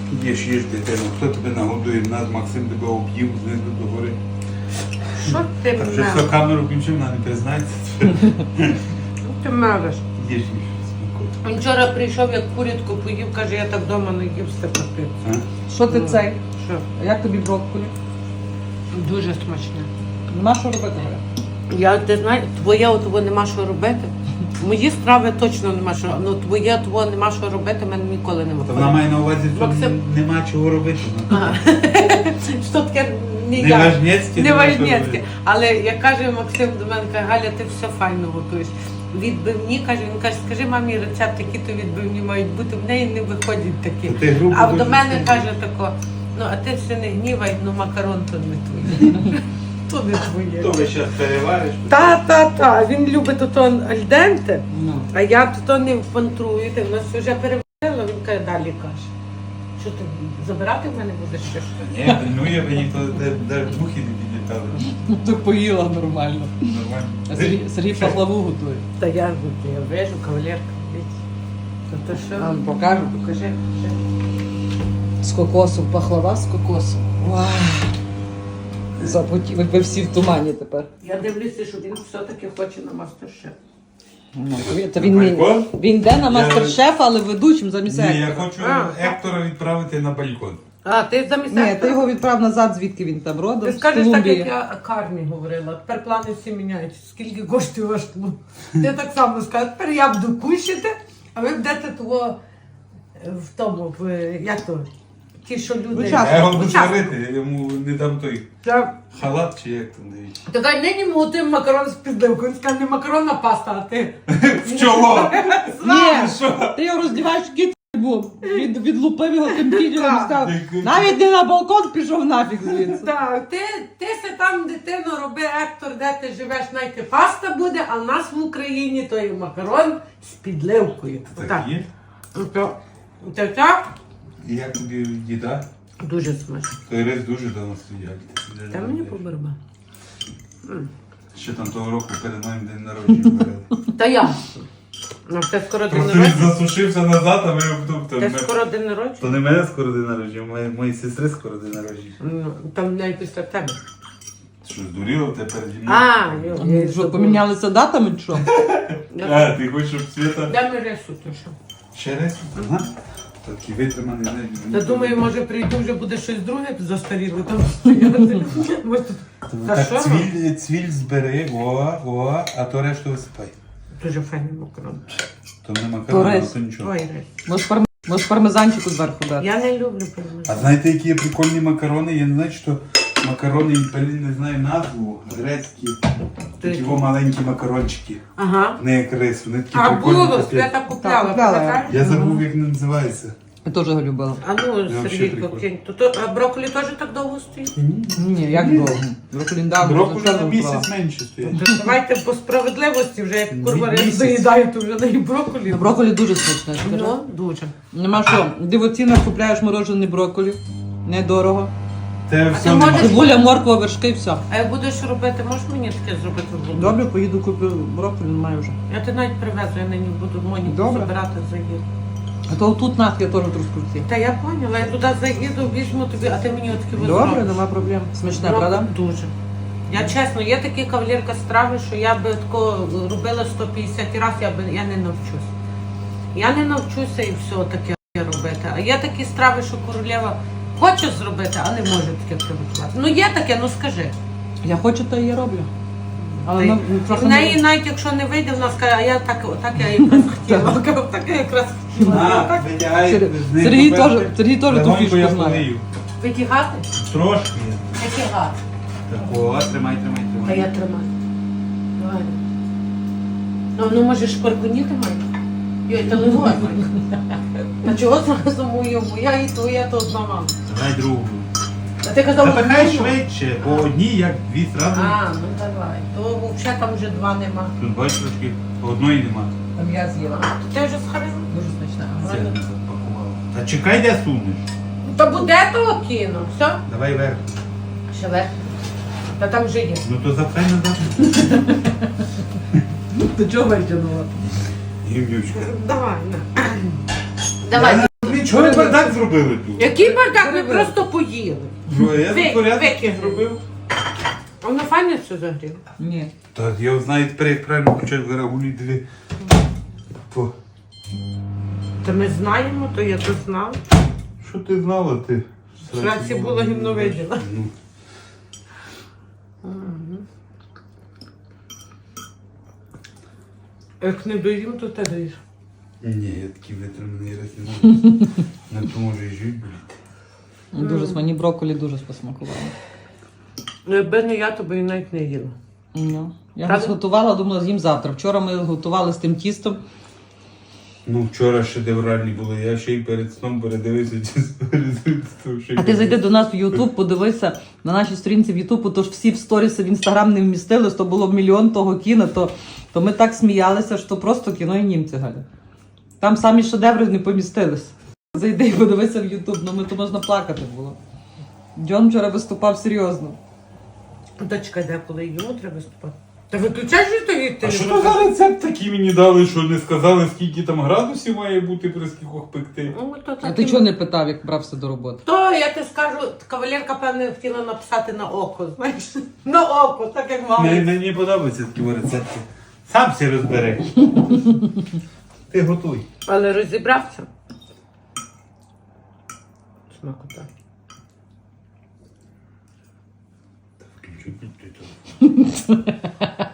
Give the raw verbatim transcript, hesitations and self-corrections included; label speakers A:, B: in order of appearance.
A: Їж, їж, дитину. Хто тебе нагодує? Нас Максим тебе об'їв знизу до гори.
B: Що ти
A: Та вже
B: мелиш?
A: все камеру включив, вона не признається.
B: Ти мелиш.
A: Їж, їж.
B: Він вчора прийшов, як курятку поїв, каже, я так вдома не їв степати.
A: А?
C: Що ти цей?
B: Що?
C: А як тобі брокколі?
B: Дуже смачне.
C: Нема що робити, Галя?
B: Я, ти знаєш, твоє того нема що робити. Мої страви точно нема що. Ну твоє того нема що робити, мене ніколи не
A: Та
B: виходить.
A: вона має на увазі, що
B: Максим.
A: нема чого робити.
B: Ага. Що таке ніяк.
A: Неважнєцьке.
B: Не важнєцьке. Але як каже Максим до мене, каже, Галя, ти все файно готуєш. Відбивні, каже, він каже, скажи мамі рецепт, які то відбивні мають бути, в неї не виходять такі.
A: Та ти грубо
B: А до
A: дуже
B: мене
A: сильно.
B: каже тако, ну а ти все не гнівай, ну макарон то не твоє. То не твоє.
A: То ви зараз перевариш.
B: Та, та, та, він любить ото альденте,
C: Ну.
B: а я то не пантрую, ти в нас вже переварила, він каже, далі каже. Що ти забирати в мене будеш ще що?
A: Ні, ну я би ніхто навіть духи не підлітали.
C: Ну, ти поїла нормально. А
A: Нормально.
C: Сергій, Сергій пахлаву готує.
B: Та я, я вижу, кавалерка, дивіться. То, то що?
C: Вам покажу.
B: Покажи, покажи.
C: З кокосу, пахлава з кокосу. Вау! Запотів, ви всі в тумані тепер.
B: Я дивлюся, що він все-таки хоче на мастер-шеф.
C: Ну, то він, він,
A: Балкон?
C: він йде на
A: Я-
C: мастер-шеф, але ведучим замість
A: Ні, я
C: Ектора.
A: хочу
B: А.
A: Ектора відправити на балкон.
B: А, ти замість
C: Ні,
B: Ектора?
C: ти його відправ назад, звідки він там родом.
B: Ти
C: з
B: скажеш так,
C: Колумбії.
B: як я Карні говорила. Тепер плани всі міняються. Скільки коштує ваш шлюб? Ти так само скажеш, тепер я буду кушати, а ви будете того е, в тому, в, е, як то, ті, що люди...
C: Учасники.
A: Я його буду
B: Учасники.
A: сварити, я йому не дам той
B: Та-
A: халат чи як там дивіться.
B: Така нині ми готуємо макарон з підливкою. Він сказав, не макарон, а паста, а ти...
A: В чоло!
C: Ні,
A: Що?
C: ти його роздіваєш кіт був. Від, відлупив його тим кітілом і сказав,
A: Так.
C: навіть не на балкон пішов нафіг звідси.
B: Так, ти, ти се там, дитино, роби Ектор, де ти живеш, найти паста буде, а в нас в Україні то є макарон з підливкою.
A: Так є?
B: Так. Так, так.
A: І як тобі їда?
B: Дуже смачно.
A: Той рис дуже давно стояв.
B: Та мені поберба.
A: Ще там того року перед моїм день народження варили.
B: Та я. Ну, те скоро день
A: Просто він
B: народження.
A: засушився назад, а ми тобто.
B: Те скоро день народження.
A: То не мене скоро день народження, моєї, моєї сестри скоро день народження.
B: Ну, там навіть після тебе.
A: Що, здуріло тебе переді мною?
B: А, йо, я
C: Ну, Що,
B: забула.
C: помінялися датами чи що?
A: А, ти хочеш, щоб Свята...
B: Дай ми рису, то що.
A: Ще раз? Ага. Такий витриманий. не-
B: Та думаю, може прийду, вже буде щось друге застаріле там стояти. Може, тут- Та
A: Так,
B: що?
A: цвіль, цвіль збери, о, о, а то решту висипай.
B: Дуже файний макарон.
A: То не
C: То
A: макарон,
C: рис.
A: то нічого.
B: Ой, рис.
C: Може, парм... Може пармезанчику зверху дати?
B: Я не люблю
A: А
B: пельмені.
A: знаєте, які є прикольні макарони? Я не знаю, що макарони, блін, не знаю назву, грецькі. Такі во маленькі макарончики.
B: Ага.
A: Не як рис, вони такі
B: А
A: прикольні.
B: було,
A: капець.
B: Свята купляла,
C: Так, купляла.
B: пам'ятаєш?
A: Я забув, як вони називаються.
C: Я теж його любила.
B: А ну,
A: вообще
B: Сергійко,
A: прикольно.
B: кинь. То, то, а брокколі теж так довго стоїть?
C: Ні, як довго? Брокколі давно.
A: Брокколі
C: вже
A: на
C: вчора
A: місяць
C: брала.
A: менше стоять.
B: То давайте по справедливості, вже як курва рис
A: Місяць.
B: доїдаю, то вже не і брокколі.
C: Брокколі дуже смачне, скажи.
B: Ну, дуже.
C: Нема що, дивоцінно купляєш морожений брокколі. Недорого.
A: Те
B: А
A: все
B: ти
A: нема.
B: можеш-
C: Цибуля, морква, вершки і все.
B: А як будеш робити, можеш мені таке зробити в будинку?
C: Добре, поїду куплю брокколі, немає вже.
B: Я ти навіть привезу, я нині буду Моніку
C: Добре.
B: забирати заїду.
C: А то тут нас я теж трускавці.
B: Та я поняла, я туди заїду, візьму тобі, а ти мені отакі
C: Добре, нема проблем. Смачне,
B: Ну,
C: правда?
B: Дуже. Я чесно, є такі кавалерка страви, що я би тако робила сто п'ятдесят разів, я би я не навчусь. Я не навчуся і все таке робити. А є такі страви, що королева хоче зробити, а не може таке приготувати. Ну є таке, ну скажи.
C: Я хочу, то і я роблю. Але
B: Ти-
C: ну, трохи
B: В
C: не-
B: неї навіть якщо не вийде, вона скаже, а я так, так я якраз хотіла. Так я якраз хотіла.
A: На,
B: Так.
A: витягай.
C: Сер-
A: з неї
C: Сергій
A: поперти.
C: теж, Сергій теж ту
A: Легонько
C: фішку
A: я
C: знає.
A: полию.
B: Витягати?
A: Трошки.
B: Витягати.
A: Так, о, тримай, тримай,
B: Та
A: тримай.
B: я тримаю. Давай. Ну, ну може шкваркуніти має? Йой, та левой. А чого зразу мою? Моя і твоя, то одна мама.
A: Давай другу.
B: А ти казав,
A: Та хай
B: одну?
A: швидше, бо одні як дві зразу.
B: А, ну давай. То взагалі там вже два нема.
A: Тут бачиш трошки, одної нема.
C: Там я з'їла.
B: Ти вже схарила?
C: Дуже смачне.
A: Це не запакувала. Та чекай, де сунеш.
B: Та буде того кіно. Все?
A: Давай вверх.
B: Ще вверх. Та там вже є.
A: Ну то запхай назад.
C: Ти чого витягнула?
A: Гівнючка.
B: Давай, на. Давай.
A: Я Чого ви бардак зробили тут?
B: Який бардак? Ми
C: Перебили.
B: просто поїли.
A: Що, я
B: Ви-
A: за порядок
B: викинули.
A: зробив?
B: А воно файно все загріло.
C: Ні.
A: Та я знаю тепер, як правильно включати в рагулі дві. Фу.
B: Та ми знаємо, то я то знав.
A: Що ти знала ти?
B: Сраці було гімно виділа.
A: Ну.
B: Як не доїм, то ти даєш.
A: Ні, я такий витриманий раз не можу. На то може і жить боліти.
C: Дуже mm. мені брокколі дуже посмакувало.
B: Ну, якби не я, то би і навіть не їла.
C: Ну, я
B: Правда?
C: готувала, думала, з'їм завтра. Вчора ми готували з тим тістом.
A: Ну, вчора шедевральні були, я ще й перед сном передивився чисто результат.
C: А ти зайди до нас в Ютуб, подивися на нашій сторінці в Ютуб, тож всі в сторіси в Інстаграм не вмістились, то було мільйон того кіно, то, то ми так сміялися, що просто кіно і німці, Галя. Там самі шедеври не помістились. Зайди і подивися в Ютуб, ну ми то можна плакати було. Джон вчора виступав серйозно.
B: Дочка, де коли йому треба виступати? Та виключай же то їсти.
A: А що то за рецепт такий мені дали, що не сказали, скільки там градусів має бути при скількох пекти?
B: Ну, то
C: А
B: так
C: ти
B: і-
C: чого не питав, як брався до роботи?
B: То я ти скажу, кавалерка, певне, хотіла написати на око, знаєш? На око, так як мама.
A: Мені не подобаються такі рецепти. Сам все розбери. Ти готуй.
B: Але розібрався. Смакота.
A: Включу під той телефон.